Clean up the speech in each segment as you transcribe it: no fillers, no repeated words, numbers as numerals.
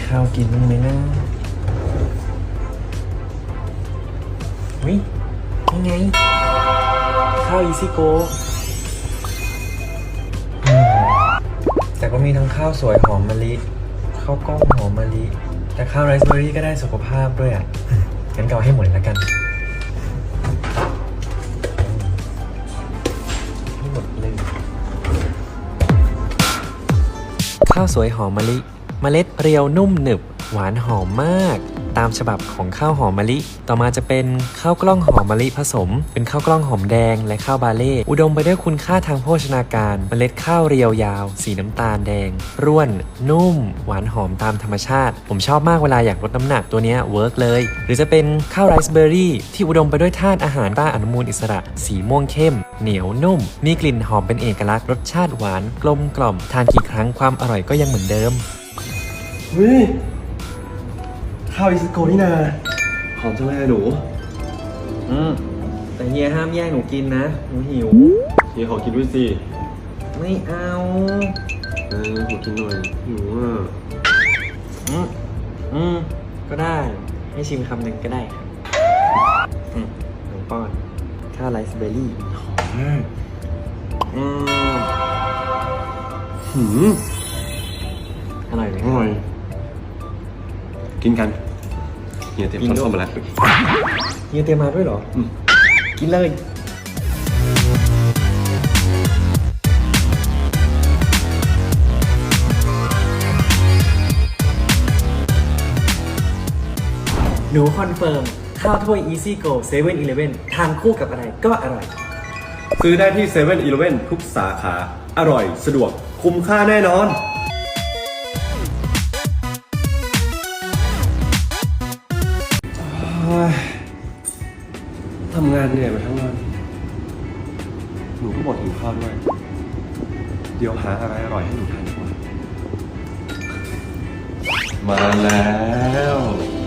ข้าวกินบ้างไหมนะวิยังไงข้าวอีซี่โกแต่ก็มีทั้งข้าวสวยหอมมะลิข้าวกล้องหอมมะลิแต่ข้าวไรซ์เบอร์รี่ก็ได้สุขภาพด้วยอ่ะงั้นก็เอาให้หมดเลยละกันให้หมดเลยข้าวสวยหอมมะลิเมล็ดเรียวนุ่มหนึบหวานหอมมากตามฉบับของข้าวหอมมะลิต่อมาจะเป็นข้าวกล้องหอมมะลิผสมเป็นข้าวกล้องหอมแดงและข้าวบาเล่อุดมไปด้วยคุณค่าทางโภชนาการเมล็ดข้าวเรียวยาวสีน้ำตาลแดงร่วนนุ่มหวานหอมตามธรรมชาติผมชอบมากเวลาอยากลดน้ำหนักตัวนี้เวิร์กเลยหรือจะเป็นข้าวไรซ์เบอร์รี่ที่อุดมไปด้วยธาตุอาหารต้านอนุมูลอิสระสีม่วงเข้มเหนียวนุ่มมีกลิ่นหอมเป็นเอกลักษณ์รสชาติหวานกลมกล่อมทานกี่ครั้งความอร่อยก็ยังเหมือนเดิมข้าวอิซิโกนี่นาหอมจังเลยหนูแต่เฮียห้ามแย่งหนูกินนะหนูหิวเฮียขอกินด้วยสิไม่เอาขอกินหน่อยหนูก็ได้ให้ชิมคำหนึ่งก็ได้ครับหนูป้อนข้าวไรซ์เบอร์รี่หอมมากอร่อยไหมอร่อยกินกันเฮียเตรียมช้อนส้อมมาแล้วเฮียเตรียมมาด้วยเหรอกินเลยหนูคอนเฟิร์มข้าวถ้วย Easy Go 7-Eleven ทานคู่กับอะไรก็อร่อยซื้อได้ที่ 7-Eleven ทุกสาขาอร่อยสะดวกคุ้มค่าแน่นอนทำงานเหนื่อยมาทั้งวันหนูก็บ่นหิวข้าวด้วยเดี๋ยวหาอะไรอร่อยให้หนูทานดีกว่ามาแล้ว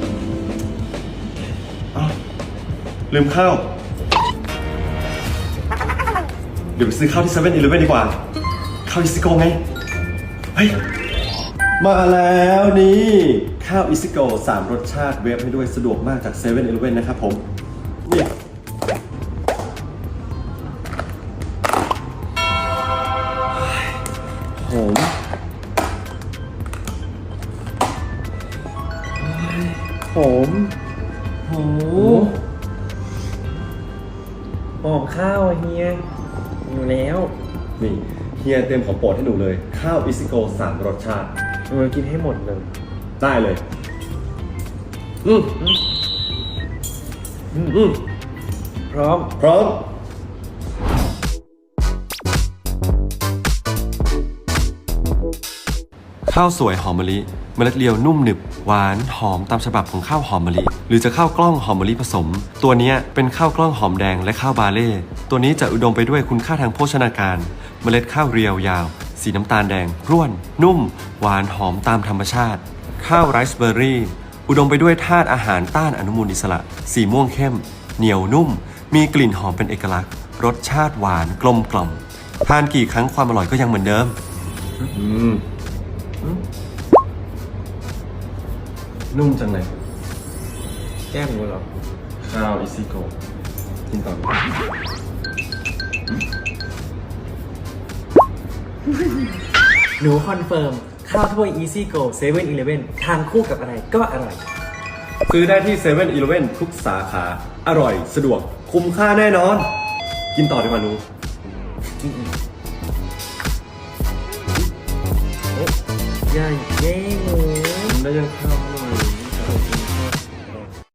ลืมข้าวเดี๋ยวไปซื้อข้าวที่ 7-Eleven ดีกว่าข้าวอิซิโกไงเฮ้ยมาแล้วนี่ข้าวอิซิโก3 รสชาติเวฟให้ด้วยสะดวกมากจาก 7-Eleven นะครับผมเนี่ยหอมหอมหอมข้าวเฮียอยู่แล้วนี่เฮียเตรียมของโปรดให้หนูเลยข้าวอิซิโก3 รสชาติกินให้หมดเลยได้เลยพร้อมข้าวสวยหอมมะลิเมล็ดเรียวนุ่มหนึบหวานหอมตามฉบับของข้าวหอมมะลิหรือจะข้าวกล้องหอมมะลิผสมตัวนี้เป็นข้าวกล้องหอมแดงและข้าวบาเล่ตัวนี้จะอุดมไปด้วยคุณค่าทางโภชนาการเมล็ดข้าวเรียวยาวสีน้ำตาลแดงร่วนนุ่มหวานหอมตามธรรมชาติข้าวไรซ์เบอร์รี่อุดมไปด้วยธาตุอาหารต้านอนุมูลอิสระสีม่วงเข้มเหนียวนุ่มมีกลิ่นหอมเป็นเอกลักษณ์รสชาติหวานกลมกล่อมทานกี่ครั้งความอร่อยก็ยังเหมือนเดิมนุ่มจังเลยแก้มหนูเหรอข้าวอิซิโกกินต่อหนูคอนเฟิร์มข้าวถ้วย Easy Go 7-Eleven ทานคู่กับอะไรก็อร่อยซื้อได้ที่ 7-Eleven ทุกสาขาอร่อยสะดวกคุ้มค่าแน่นอนกินต่อดีกว่าหนูอย่าแย่งหนูได้ยังข้าว